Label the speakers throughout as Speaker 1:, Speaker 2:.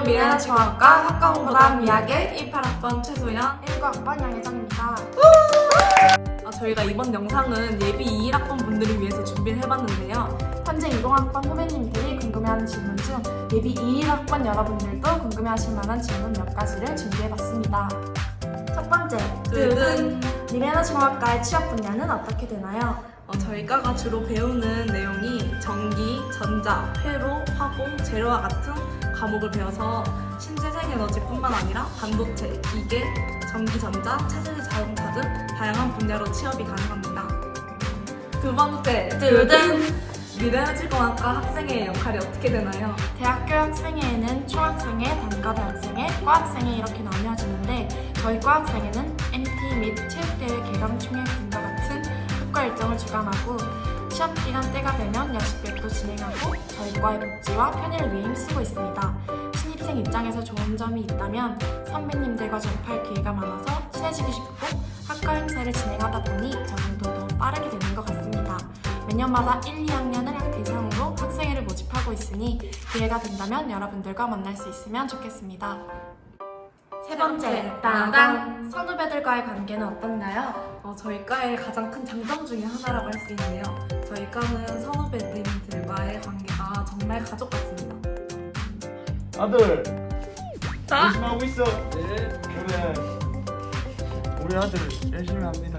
Speaker 1: 미래에너지공학과 학과홍보단 미학의 18학번 최소연
Speaker 2: 19학번 양혜정입니다.
Speaker 1: 저희가 이번 영상은 예비 21학번 분들을 위해서 준비를 해봤는데요.
Speaker 2: 현재 20학번 후배님들이 궁금해하는 질문 중 예비 21학번 여러분들도 궁금해하실 만한 질문 몇 가지를 준비해봤습니다. 첫 번째,
Speaker 1: 두둔!
Speaker 2: 미래에너지공학과의 취업 분야는 어떻게 되나요?
Speaker 1: 저희과가 주로 배우는 내용이 전기, 전자, 회로, 화공, 재료와 같은 과목을 배워서 신재생 에너지뿐만 아니라 반도체, 기계, 전기, 전자, 차세대 자동차 등 다양한 분야로 취업이 가능합니다. 두 번째,
Speaker 2: 두둔!
Speaker 1: 미래에너지공학과 학생의 역할이 어떻게 되나요?
Speaker 2: 대학교 학생회에는 총학생회, 단과대학생회, 과학생회 이렇게 나뉘어지는데 저희 과학생회는 MT 및 체육대회 개강 총회 등과 같은 학과 일정을 주관하고 시험 기간 때가 되면 야식백도 진행하고 저희 과의 복지와 편의를 위해 힘쓰고 있습니다. 신입생 입장에서 좋은 점이 있다면 선배님들과 접할 기회가 많아서 친해지고 싶고 학과 행사를 진행하다 보니 적응도 더 빠르게 되는 것 같습니다. 매년마다 1, 2학년을 학 대상으로 학생회를 모집하고 있으니 기회가 된다면 여러분들과 만날 수 있으면 좋겠습니다. 세 번째, 따단! 선후배들과의 관계는 어떤가요?
Speaker 1: 저희 과의 가장 큰 장점 중에 하나라고 할 수 있는데요. 저희 과는 선후배님들과의 관계가 정말 가족 같습니다.
Speaker 3: 아들
Speaker 1: 자!
Speaker 3: 열심히 하고 있어.
Speaker 4: 네.
Speaker 3: 그래 우리 아들 열심히 합니다.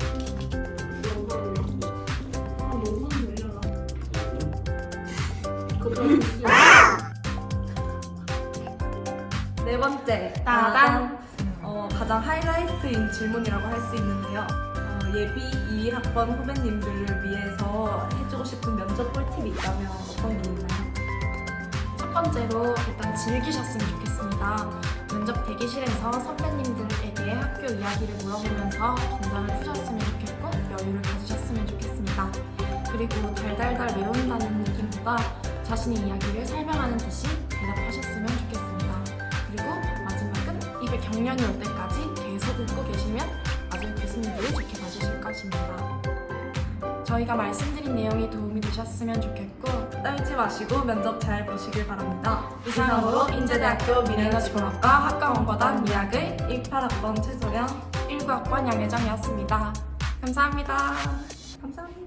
Speaker 1: 네 번째,
Speaker 2: 따단!
Speaker 1: 가장 하이라이트인 질문이라고 할 수 있는데요. 예비 21학번 후배님들을 위해서 해주고 싶은 면접 꿀팁이 있다면 어떤 게 있나요?
Speaker 2: 첫 번째로 일단 즐기셨으면 좋겠습니다. 면접 대기실에서 선배님들에게 학교 이야기를 물어보면서 긴장을 푸셨으면 좋겠고 여유를 가지셨으면 좋겠습니다. 그리고 달달달 외운다는 느낌보다 자신의 이야기를 설명하는 듯이 대답하셨으면 좋겠습니다. 그리고 마지막은 입에 경련이 올 때까지 계속 웃고 계시면 나중에 교수님들이 좋게 봐주실 것입니다. 저희가 말씀드린 내용이 도움이 되셨으면 좋겠고
Speaker 1: 떨지 마시고 면접 잘 보시길 바랍니다.
Speaker 2: 이상으로 인제대학교 미래에너지공학과 학과홍보단 미학의
Speaker 1: 18학번 최소연
Speaker 2: 19학번 양혜정이었습니다. 감사합니다.
Speaker 1: 감사합니다.